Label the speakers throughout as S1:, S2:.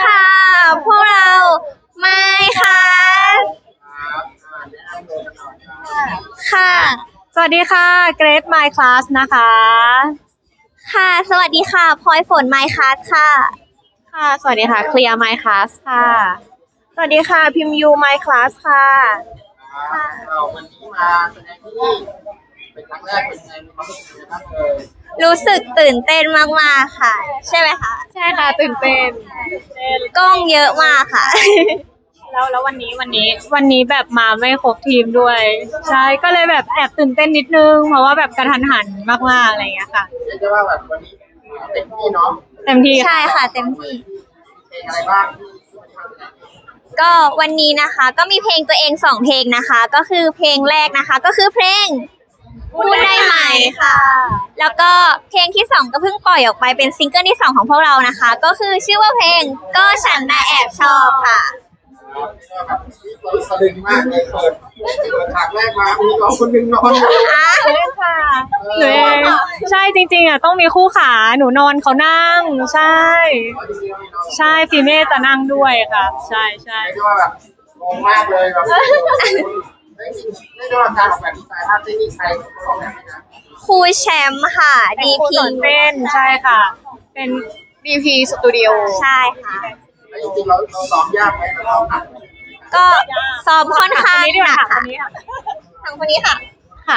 S1: ค่ะ พวกเราไม่ค่ะค่ะ
S2: สวัสดีค่ะเกรด My Class นะคะ
S1: ค่ะ สวัสดีค่ะพลอยฝนไมค์คัสค่ะ
S2: ค่ะ สวัสดีค่ะเคลียร์ My Class ค่ะ สวัสดีค่ะพิมยู My Class ค่ะ
S3: วันนี้มาแสดงที่นี่เป็นครั้งแรกเป็นไงมีความรู้สึกยังไงบ้าง
S1: รู้สึกตื่นเต้นมากๆค่ะ ใช่ไหมคะ
S2: ใช่ค่ะตื่นเต้น
S1: กล้องเยอะมากค่ะ
S2: แล้ววันนี้แบบมาไม่ครบทีมด้วย ใช่ก็เลยแบบแอบตื่นเต้นนิดนึงเพราะว่าแบบกระทันหันมากๆอะไรอย่างเงี้ยค่ะ
S3: เรียกได้ว่าแบบวันนี้เต็มที่เนาะ
S2: เต็มที่
S1: ใช่ค่ะเต็มที่
S3: เพลงอะไรบ้างที่มาแสดง
S1: ก็วันนี้นะคะก็มีเพลงตัวเอง2เพลงนะคะ ก็คือเพลงแรกนะคะก็คือเพลงพูดได้ไหมค่ะ แล้วก็เพลงที่2ก็เพิ่งปล่อยออกไปเป็นซิงเกิลที่2ของพวกเรานะคะ ก็คือชื่อว่าเพลงก็ฉันน่ะแอบชอบค่ะ
S3: แบบสะดึงมากเลยเปิดฉากแรกมามีน้องคนหนึงนอนอยู่
S2: เล่นค่ะหนูเองใช่จริงๆอ่ะต้องมีคู่ขาหนูนอนเขานั่งใช่ ใช่ฟีเม่จะนั่งด้วยค่ะ ใช่ใช่
S3: เรียกได้ว่าแบบงงมากเลยแบบได้ยินเรียกได้ว่าการออกแบบดีไซน์ภาพที่นี่ใครออกแบบไหมนะ
S1: ครูแชมป์ค่ะ
S2: ครู
S1: DP
S2: สอนเต้นใช่ค่ะ เป็น DP Studio
S1: ใช่ค่ะ
S3: แล้วจริงๆเราซ้อมยากไหมเราซ้อมหนักไหม
S1: ก็ซ้อมค่อนข้างหนัก
S2: ค
S1: ค่ะ
S2: นนี้ค่ะ
S1: ทางคนนี้ค่ะ
S2: ค่ะ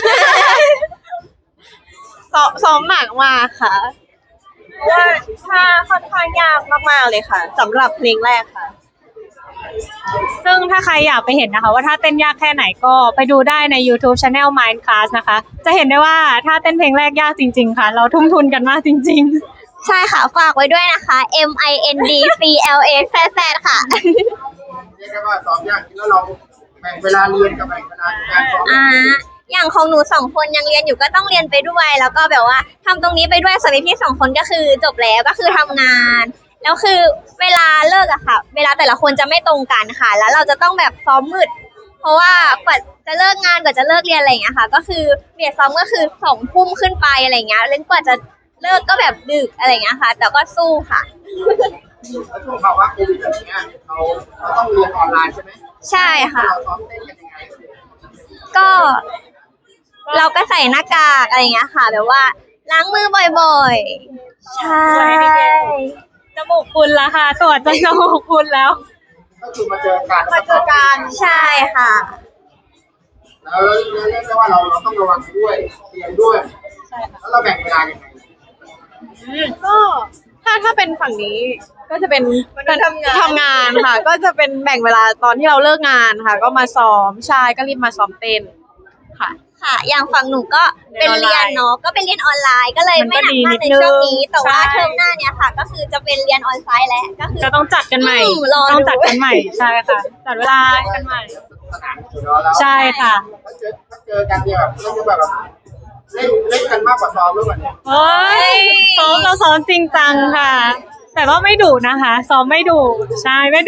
S2: ซ้อมหนักมากค่ะว่าท่าค่อนข้างยากมากๆเลยค่ะสำหรับเพลงแรกค่ะ ซึ่งถ้าใครอยากไปเห็นนะคะว่าถ้าเต้นยากแค่ไหนก็ไปดูได้ใน YouTube Channel Mind Class นะคะ จะเห็นได้ว่าถ้าเต้นเพลงแรกยากจริงๆค่ะ เราทุ่มทุนกันมากจริง
S1: ใช่ค่ะ ฝากไว้ด้วยนะคะ MINDCLAZZ ค่ะ
S3: เรียกได้ว่าซ้อมยากจริงแล้วเราแบ่งเวลาเรียนกับแบ่งเวลาการซ้อม
S1: อย่างของหนู2คนยังเรียนอยู่ก็ต้องเรียนไปด้วย แล้วก็แบบว่าทำตรงนี้ไปด้วยส่วนพี่2คนก็คือจบแล้วก็คือทำงาน แล้วคือเวลาเลิกอะค่ะ เวลาแต่ละคนจะไม่ตรงกันค่ะ แล้วเราจะต้องแบบซ้อมมืด เพราะว่ากว่าจะเลิกงานกว่าจะเลิกเรียนอะไรอย่างเงี้ยค่ะ ก็คือเบียดซ้อมก็คือ2 ทุ่มขึ้นไปอะไรอย่างเงี้ยเล่นกว่าจะเลิกก็แบบดึกอะไรอย่างเงี้ยค่ะ แต่ก็สู้ค่ะ
S3: แล้วช่วงภาวะโควิดแบบเนี้ยเราต้องเรียนออนไลน์ใช่ไหม
S1: ใช่ค่ะ
S3: เราซ้อมเต้นกันยังไง
S1: ก็เราก็ใส่หน้ากากอะไรอย่างเงี้ยค่ะ แบบว่าล้างมือบ่อยๆ ใช่
S2: ๆ จมูกคุณละค่ะตรวจจนจมูกคุณแล้ว
S3: ก็คือมาเจอกัน
S1: ใช่ค่ะ
S3: แล้วเรียกได้ว่าเราต้องระวังด้วยเรียนด้วย
S2: ใช่ค่ะ
S3: แล้วเราแบ่งเวลายังไง
S2: ก็ถ้าเป็นฝั่งนี้ก็จะเป็นการทำงานค่ะ ก็จะเป็นแบ่งเวลาตอนที่เราเลิกงานค่ะ ก็มาซ้อมใช่ก็รีบมาซ้อมเต้นค่ะ
S1: ค่ะ อย่างฝั่งหนูก็เป็นเรียนเนาะ ก็เป็นเรียนออนไลน์ ก็เลยไม่หนักมากในช่วงนี้ แต่ว่า
S2: ใช่
S1: เทอมหน้าเนี้ยค่ะ ก็คือจะเป็นเรียนออนไซต์แล้ว ก็คือ
S2: จะต้องจัดกันใหม่
S1: รอดู
S2: ต้องจัดกันใหม่ใช่ค่ะจัดเวลากันใหม่
S3: สนามอยู่เนาะแล้ว
S2: ใช่ค่ะ
S3: ถ้าเจอกันเนี่ยแบบเล่นแบบเล่นกันมากกว่าซ้อมหรือเปล่าเนี่ย
S2: เฮ้ยเราซ้อมจริงจังค่ะ แต่ว่าไม่ดุนะคะ ซ้อมไม่ดุใช่ไม่ดุ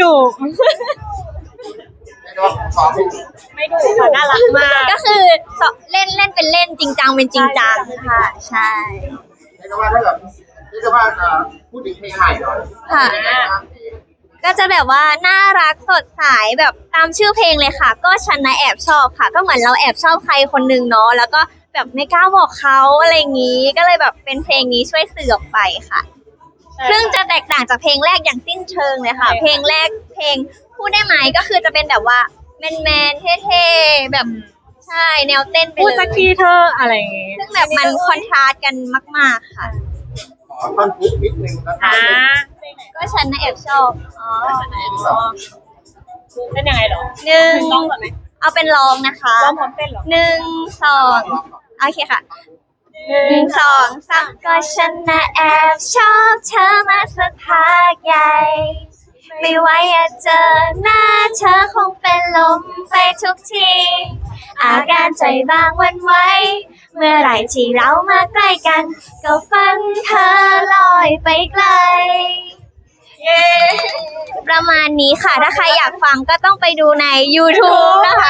S3: เรียกได้ว่าซ้อมจริง
S2: ไม่ดุค่ะน่ารักมาก
S1: ก็คือเล่นเป็นเล่นจริงจังเป็นจริงจังค่ะ ใช่
S3: เรียกได้ว่าถ้าแบบเรียกได้ว่าพูดถึงเพลงใหม่หน่อย
S1: ค่ะ
S3: เป็นยังไงบ้างเพลง
S1: ก็จะแบบว่าน่ารักสดใสแบบตามชื่อเพลงเลยค่ะ ก็ฉันนะแอบชอบค่ะ ก็เหมือนเราแอบชอบใครคนนึงเนาะแล้วก็แบบไม่กล้าบอกเขาอะไรอย่างนี้ ก็เลยแบบเป็นเพลงนี้ช่วยสื่อออกไปค่ะ ซึ่งจะแตกต่างจากเพลงแรกอย่างสิ้นเชิงเลยค่ะ
S2: ใช่ค่ะ
S1: เพลงแรกเพลงพูดได้ไหมก็คือจะเป็นแบบว่าแมนเท่ๆแบบใช่แนวเต้นไป
S2: พูด
S1: เล
S2: สัก
S1: ย
S2: ทีเธออะไรอย่างงี้
S1: ซึ่งแบบมันคอนทราสต์กันมาก ๆค่ะ
S3: ขอท่อนพุกนิดนึงแล้วกั
S2: อ่าน
S1: ก็ฉันนะแอบชอบอ๋อ
S2: เป็นยังไงเหรอ
S1: หนึ่ง
S2: ร้องก่อนไหม
S1: เอาเป็นร้องนะคะ
S2: ร้องพร้อมเต้นเหรอ
S1: 1 2โอเคค่ะ1 2 3ก็ฉันน่ะแอบชอบเธอมาสักพักใหญ่ ไม่ไหวอะเจอหน้าเธอคงเป็นลมไปทุกที อาการใจบางหวันไหวเมื่อไหร่ที่เรามาใกล้กัน ก็ฝันเธอลอยไปไกล ประมาณนี้ค่ะ ถ้าใครอยากฟังก็ต้องไปดูใน YouTube นะคะ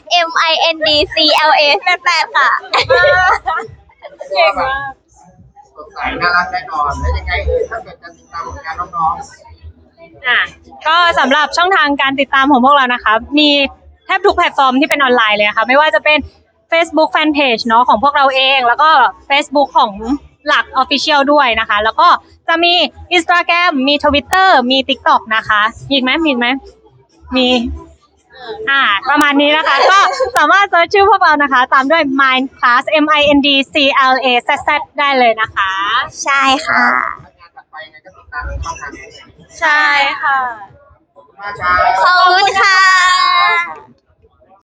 S1: MINDCLAZZ ค่ะ
S2: เก่งมาก
S3: สดใสน่ารักแน่นอนแล้วยังไงถ้าเกิดจะติดตามผลงานน้อง
S2: ก็สำหรับช่องทางการติดตามของพวกเรานะคะมีแทบทุกแพลตฟอร์มที่เป็นออนไลน์เลยค่ะไม่ว่าจะเป็น Facebook Fanpage เนาะของพวกเราเองแล้วก็ Facebook ของหลัก Official ด้วยนะคะแล้วก็จะมี Instagram มี Twitter มี TikTok นะคะมีอีกไหมมีประมาณนี้นะคะ ก็สามารถเซิร์ชชื่อพวกเรานะคะ ตามด้วย Mind Class MINDCLAZZ ได้เลยนะคะ
S1: ใช่ค่ะ
S3: งานถัดไปยังไงก็ติดตามช่องทางนี้
S2: ใช่ค่ะ
S3: ขอบคุณมากครับ
S1: ขอบคุณค่ะ